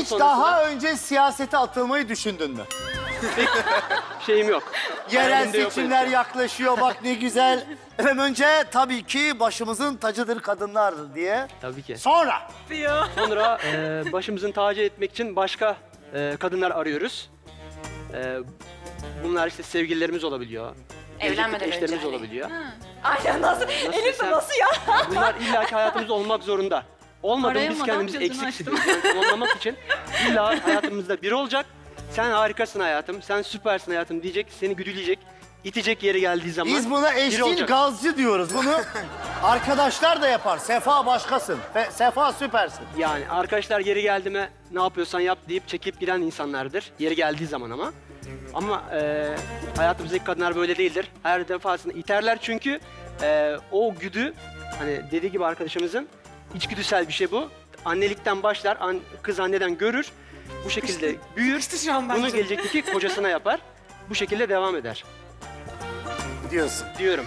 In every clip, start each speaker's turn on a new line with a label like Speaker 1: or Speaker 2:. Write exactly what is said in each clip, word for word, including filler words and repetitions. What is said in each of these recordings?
Speaker 1: Hiç
Speaker 2: sonrasında
Speaker 1: daha önce siyasete atılmayı düşündün mü?
Speaker 2: şeyim yok.
Speaker 1: Yerel
Speaker 2: Hayalimde yok
Speaker 1: seçimler
Speaker 2: öyle bir şey.
Speaker 1: yaklaşıyor, bak ne güzel. Efendim önce tabii ki başımızın tacıdır kadınlar diye.
Speaker 2: Tabii ki.
Speaker 1: Sonra
Speaker 2: Sonra e, başımızın tacı etmek için başka e, kadınlar arıyoruz. E, bunlar işte sevgililerimiz olabiliyor.
Speaker 3: Evlenmeden
Speaker 2: gelecek eşlerimiz
Speaker 3: önce hani.
Speaker 2: olabiliyor.
Speaker 3: Aynen nasıl? Elif
Speaker 2: desem?
Speaker 3: nasıl ya?
Speaker 2: Bunlar illaki hayatımızda olmak zorunda. Olmadı biz
Speaker 4: Arayamadan
Speaker 2: kendimizi
Speaker 4: gözünü
Speaker 2: eksik
Speaker 4: açtım.
Speaker 2: hissediyoruz. Yani tamamlamak için illa hayatımızda biri olacak. Sen harikasın hayatım, sen süpersin hayatım diyecek, seni güdüleyecek, itecek yeri geldiği zaman
Speaker 1: biz buna
Speaker 2: biri
Speaker 1: eşcinsel
Speaker 2: olacak.
Speaker 1: gazcı diyoruz. Bunu arkadaşlar da yapar. Sefa başkasın. Fe- Sefa süpersin.
Speaker 2: Yani arkadaşlar yeri geldi mi ne yapıyorsan yap deyip çekip giden insanlardır. Yeri geldiği zaman ama. Ama e, hayatımızdaki kadınlar böyle değildir. Her defasında iterler çünkü e, o güdü, hani dediği gibi arkadaşımızın, içgüdüsel bir şey bu. Annelikten başlar, an, kız anneden görür. Bu şekilde büyür.
Speaker 3: şu an
Speaker 2: Bunu
Speaker 3: bence.
Speaker 2: gelecekteki kocasına yapar. Bu şekilde devam eder
Speaker 1: Diyorsun.
Speaker 2: diyorum.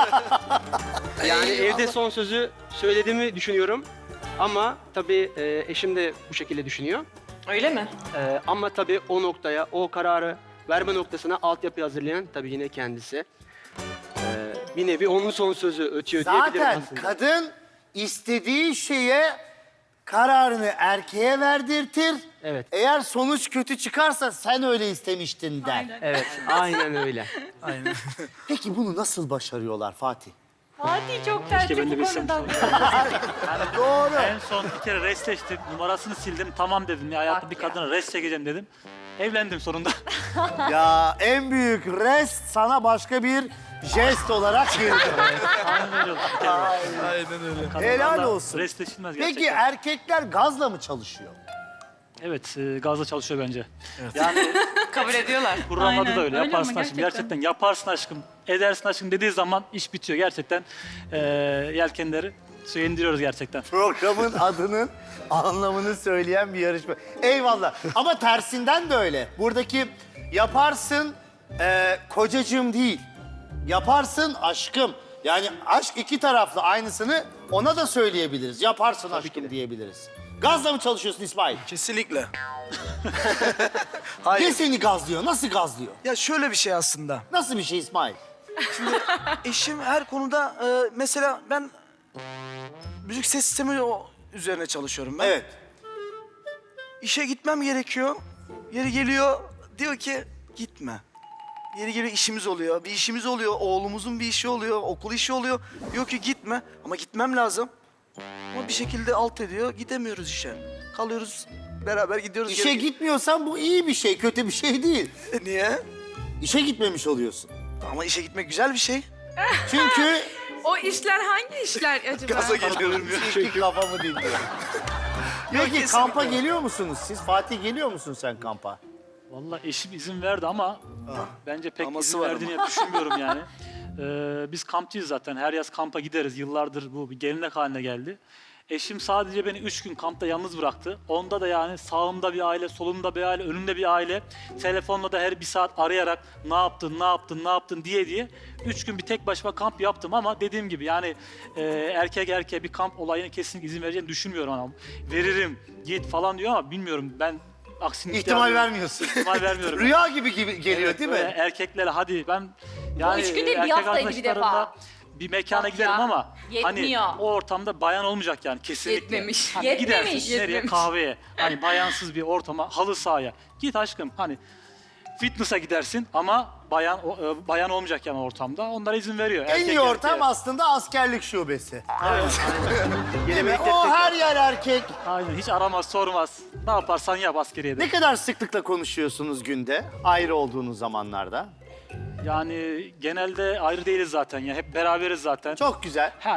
Speaker 2: Yani evde son sözü söylediğimi düşünüyorum. Ama tabii e, eşim de bu şekilde düşünüyor.
Speaker 3: Öyle mi?
Speaker 2: Ee, ama tabii o noktaya, o kararı verme noktasına altyapı hazırlayan tabii yine kendisi. Ee, bir nevi onun son sözü ötüyor diyebilirim
Speaker 1: Zaten
Speaker 2: aslında.
Speaker 1: kadın istediği şeye kararını erkeğe verdirtir.
Speaker 2: Evet.
Speaker 1: Eğer sonuç kötü çıkarsa sen öyle istemiştin der.
Speaker 4: Aynen.
Speaker 2: Evet, aynen öyle.
Speaker 1: Peki bunu nasıl başarıyorlar Fatih?
Speaker 3: Fatih çok tertip
Speaker 5: ben de
Speaker 3: bu
Speaker 5: bilsem.
Speaker 3: konuda.
Speaker 1: Doğru.
Speaker 5: En son bir kere restleştik. Numarasını sildim. Tamam dedim ya hayatta
Speaker 3: Bak
Speaker 5: bir
Speaker 3: ya.
Speaker 5: kadına rest çekeceğim dedim. Evlendim sonunda.
Speaker 1: Ya en büyük rest sana başka bir jest olarak girdi.
Speaker 5: Aynen öyle oldu. bir kere. Kadınlarla
Speaker 1: Helal olsun.
Speaker 5: Restleşilmez
Speaker 1: Peki
Speaker 5: gerçekten.
Speaker 1: erkekler gazla mı çalışıyor?
Speaker 5: Evet, e, gazla çalışıyor bence. Yani
Speaker 3: Kabul ediyorlar.
Speaker 5: programlarda
Speaker 4: Aynen,
Speaker 5: da öyle.
Speaker 4: öyle
Speaker 5: Yaparsın
Speaker 4: ama
Speaker 5: aşkım.
Speaker 4: gerçekten.
Speaker 5: Gerçekten yaparsın aşkım. Edersin aşkım dediği zaman iş bitiyor. Gerçekten e, yelkenleri suya indiriyoruz gerçekten.
Speaker 1: Programın adının anlamını söyleyen bir yarışma. Eyvallah. Ama tersinden de öyle. Buradaki yaparsın e, kocacığım değil. Yaparsın aşkım. Yani aşk iki taraflı, aynısını ona da söyleyebiliriz. Yaparsın aşkım diyebiliriz. Gazla mı çalışıyorsun İsmail?
Speaker 6: Kesinlikle.
Speaker 1: Ne seni gazlıyor? Nasıl gazlıyor?
Speaker 6: Ya şöyle bir şey aslında.
Speaker 1: Nasıl bir şey İsmail?
Speaker 6: Eşim her konuda e, mesela ben müzik ses sistemi o üzerine çalışıyorum ben.
Speaker 1: Evet.
Speaker 6: İşe gitmem gerekiyor. Yeri geliyor diyor ki gitme. Yeri geliyor işimiz oluyor. Bir işimiz oluyor. Oğlumuzun bir işi oluyor. Okul işi oluyor. Diyor ki gitme. Ama gitmem lazım. Ama bir şekilde alt ediyor. Gidemiyoruz işe. Kalıyoruz. Beraber gidiyoruz.
Speaker 1: İşe
Speaker 6: geri-
Speaker 1: gitmiyorsan bu iyi bir şey, kötü bir şey değil.
Speaker 6: Niye?
Speaker 1: İşe gitmemiş oluyorsun.
Speaker 6: Ama işe gitmek güzel bir şey.
Speaker 1: Çünkü
Speaker 4: O işler hangi işler acaba?
Speaker 6: Gaza geliyorum ya.
Speaker 1: çünkü kafamı dinliyor. Peki
Speaker 6: kesinlikle.
Speaker 1: kampa geliyor musunuz siz? Fatih geliyor musun sen kampa?
Speaker 5: Vallahi eşim izin verdi ama bence pek
Speaker 6: Aması
Speaker 5: izin
Speaker 6: var
Speaker 5: verdiğini düşünmüyorum yani. Ee, biz kampçıyız zaten. Her yaz kampa gideriz. Yıllardır bu bir gelenek haline geldi. Eşim sadece beni üç gün kampta yalnız bıraktı. Onda da yani sağımda bir aile, solumda bir aile, önümde bir aile. Telefonla da her bir saat arayarak ne yaptın, ne yaptın, ne yaptın diye diye. Üç gün bir tek başıma kamp yaptım ama dediğim gibi yani e, erkek erkeğe bir kamp olayına kesinlikle izin vereceğini düşünmüyorum. Ama veririm, git falan diyor ama bilmiyorum ben aksini
Speaker 1: İhtimal
Speaker 5: iddia ediyorum.
Speaker 1: vermiyorsun.
Speaker 5: İhtimal vermiyorum.
Speaker 1: Rüya gibi gibi geliyor
Speaker 5: Evet,
Speaker 1: değil
Speaker 5: böyle
Speaker 1: mi?
Speaker 5: Erkeklere hadi ben yani
Speaker 3: üç gün değil, bir
Speaker 5: erkek
Speaker 3: haftaydı bir
Speaker 5: arkadaşlarımla
Speaker 3: defa.
Speaker 5: bir mekana
Speaker 3: Bak
Speaker 5: giderim
Speaker 3: ya,
Speaker 5: ama
Speaker 3: yetmiyor.
Speaker 5: hani o ortamda bayan olmayacak yani kesinlikle.
Speaker 4: Yetmemiş.
Speaker 5: Hani
Speaker 3: Yetmemiş,
Speaker 5: gidersin nereye
Speaker 4: yetmemiş.
Speaker 5: kahveye hani bayansız bir ortama halı sahaya git aşkım hani fitness'a gidersin ama bayan o- e, bayan olmayacak yani ortamda onlara izin veriyor.
Speaker 1: En
Speaker 5: Erkek
Speaker 1: iyi ortam
Speaker 5: erkeğe.
Speaker 1: aslında askerlik şubesi.
Speaker 5: Evet,
Speaker 1: Değil mi?
Speaker 2: Yine
Speaker 1: O her yer erkek.
Speaker 5: aynen hiç aramaz sormaz. Ne yaparsan yap askeriyede.
Speaker 1: Ne kadar sıklıkla konuşuyorsunuz günde ayrı olduğunuz zamanlarda?
Speaker 5: Yani genelde ayrı değiliz zaten ya hep beraberiz zaten.
Speaker 1: Çok güzel.
Speaker 5: Ha,